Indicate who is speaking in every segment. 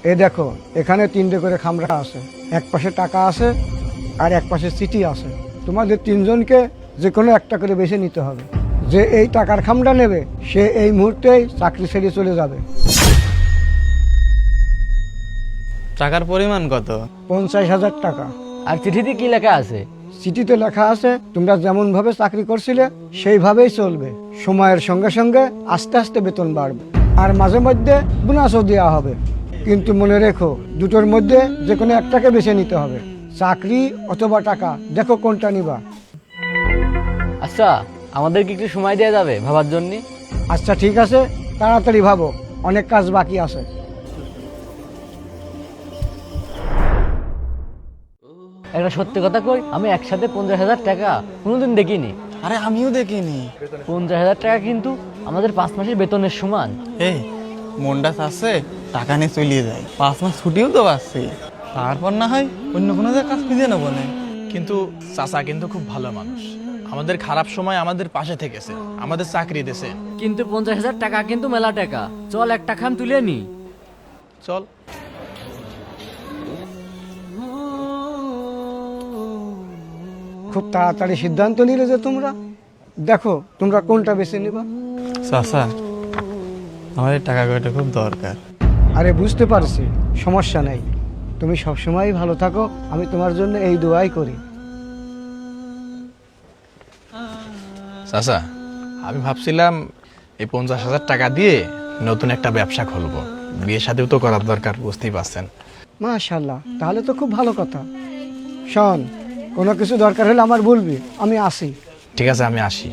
Speaker 1: এ দেখো, এখানে 3টে করে খামরা আছে, এক পাশে টাকা আছে আর এক পাশে চিঠি আছে। তোমাদের 3জনকে যে কোনো একটা করে বেছে নিতে হবে। যে এই টাকার খামটা নেবে সে এই মুহূর্তেই চাকরি ছেড়ে চলে যাবে।
Speaker 2: টাকার পরিমাণ কত?
Speaker 1: 50,000 টাকা।
Speaker 3: আর চিঠিতে কি লেখা আছে?
Speaker 1: চিঠিতে লেখা আছে তোমরা যেমন ভাবে চাকরি করছিলে সেইভাবেই চলবে। সময়ের সঙ্গে সঙ্গে আস্তে আস্তে বেতন বাড়বে আর মাঝে মধ্যে বোনাসও দেওয়া হবে। কিন্তু মনে রেখো, দুটোর মধ্যে যে কোনো একটাকে বেছে নিতে হবে, চাকরি অথবা টাকা। দেখো কোনটা নিবা।
Speaker 3: আচ্ছা, আমাদের কি একটু সময় দেওয়া যাবে ভাবার জন্য?
Speaker 1: আচ্ছা ঠিক আছে, তাড়াতাড়ি ভাবো, অনেক কাজ বাকি আছে।
Speaker 3: একটা সত্যি কথা কই, আমি একসাথে 50,000 টাকা কোনোদিন দেখিনি।
Speaker 2: আরে আমিও দেখিনি।
Speaker 3: 50,000 টাকা কিন্তু আমাদের 5 মাসের বেতনের সমান।
Speaker 2: এই মনটা আছে টাকা নিয়ে চলিয়ে যায়, 5 মাস ছুটিও তো পাচ্ছি, তারপর না হয় অন্য কোনো জায়গায় কাজ খুঁজে নেবো না।
Speaker 4: কিন্তু চাচা কিন্তু খুব ভালো মানুষ, আমাদের খারাপ সময় আমাদের পাশে থেকেছে, আমাদের চাকরি দিয়েছে।
Speaker 3: কিন্তু 50,000 টাকা কিন্তু মেলা টাকা। চল একটা খাম তুলে নি।
Speaker 4: চল।
Speaker 1: খুব তাড়াতাড়ি সিদ্ধান্ত নিলে যে তোমরা। দেখো তোমরা কোনটা বেছে নিবা।
Speaker 2: চাচা, আমার এই টাকা কয়টা খুব দরকার।
Speaker 1: আরে বুঝতে পারছি, সমস্যা নেই, তুমি সবসময় ভালো থাকো, আমি তোমার জন্য এই দোয়াই করি।
Speaker 4: চাচা, আমি ভাবছিলাম এই 50,000 টাকা দিয়ে নতুন একটা ব্যবসা খুলবো, বিয়ে শাদিও তো করার দরকার, বুঝতেই পারছেন।
Speaker 1: মাশাআল্লাহ, তাহলে তো খুব ভালো কথা। শোন, কোনো কিছু দরকার হলে আমার বলবি, আমি আসি।
Speaker 4: ঠিক আছে, আমি আসি।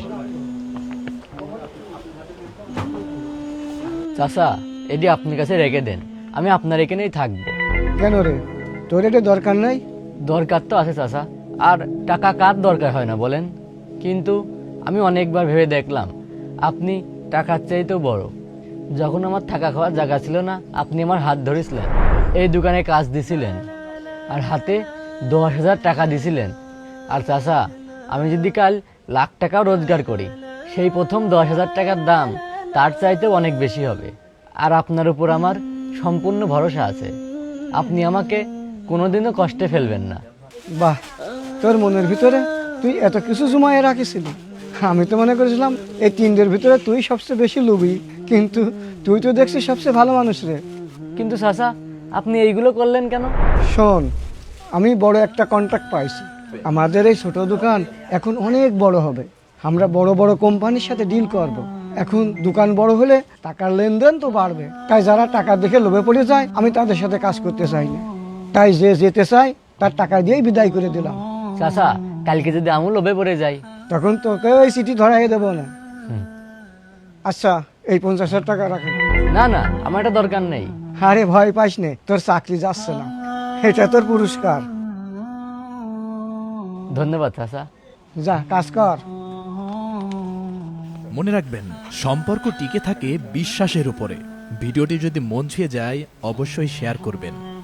Speaker 3: চাচা, এটি আপনার কাছে রেখে দেন, আমি আপনার এখানেই থাকবো।
Speaker 1: কেন রে, তোর এটা দরকার নাই?
Speaker 3: দরকার তো আছে চাচা, আর টাকা কার দরকার হয় না বলেন? কিন্তু আমি অনেকবার ভেবে দেখলাম আপনি টাকার চাইতেও বড়। যখন আমার থাকা খাওয়ার জায়গা ছিল না, আপনি আমার হাত ধরেছিলেন, এই দোকানে কাজ দিছিলেন, আর হাতে 10,000 টাকা দিছিলেন। আর চাচা, আমি যদি কাল লাখ টাকাও রোজগার করি, সেই প্রথম 10,000 টাকার দাম তার চাইতেও অনেক বেশি হবে। আর আপনার উপর আমার সম্পূর্ণ ভরসা আছে, আপনি আমাকে কোনোদিনও কষ্টে ফেলবেন না।
Speaker 1: বাহ, তোর মনের ভিতরে তুই এত কিছু জমায়ে রাখিসিলি। আমি তো মনে করেছিলাম এই 3দের ভিতরে তুই সবচেয়ে বেশি লোভী, কিন্তু তুই তো দেখছিস সবচেয়ে ভালো মানুষ রে।
Speaker 3: কিন্তু চাচা, আপনি এইগুলো করলেন কেন?
Speaker 1: শোন, আমি বড় একটা কন্ট্রাক্ট পাইছি, আমাদের এই ছোট দোকান এখন অনেক বড় হবে। আমরা বড় বড় কোম্পানির সাথে ডিল করব। এখন দোকান বড় হলে টাকার লেনদেন তো বাড়বে, তাই যারা টাকা দেখে লোভে পড়ে যায় আমি তাদের সাথে কাজ করতে চাই না। তাই যে যেতে চাই তার টাকা দিয়েই বিদায় করে দিলাম।
Speaker 3: চাচা, কালকে যদি আমুল লোভে পড়ে যাই?
Speaker 1: তখন তোকে ওই চিঠি ধরাই দেবো না। আচ্ছা, এই 50,000 টাকা রাখে।
Speaker 3: না না, আমার এটা দরকার নেই।
Speaker 1: আরে ভয় পাইস নে, তোর চাকরি যাচ্ছে না, এটা তোর পুরস্কার।
Speaker 3: ধন্যবাদ চাচা।
Speaker 1: যা কাজ কর।
Speaker 5: মনে রাখবেন, সম্পর্ক টিকে থাকে বিশ্বাসের উপরে। ভিডিওটি যদি মন ছুঁয়ে যায় অবশ্যই শেয়ার করবেন।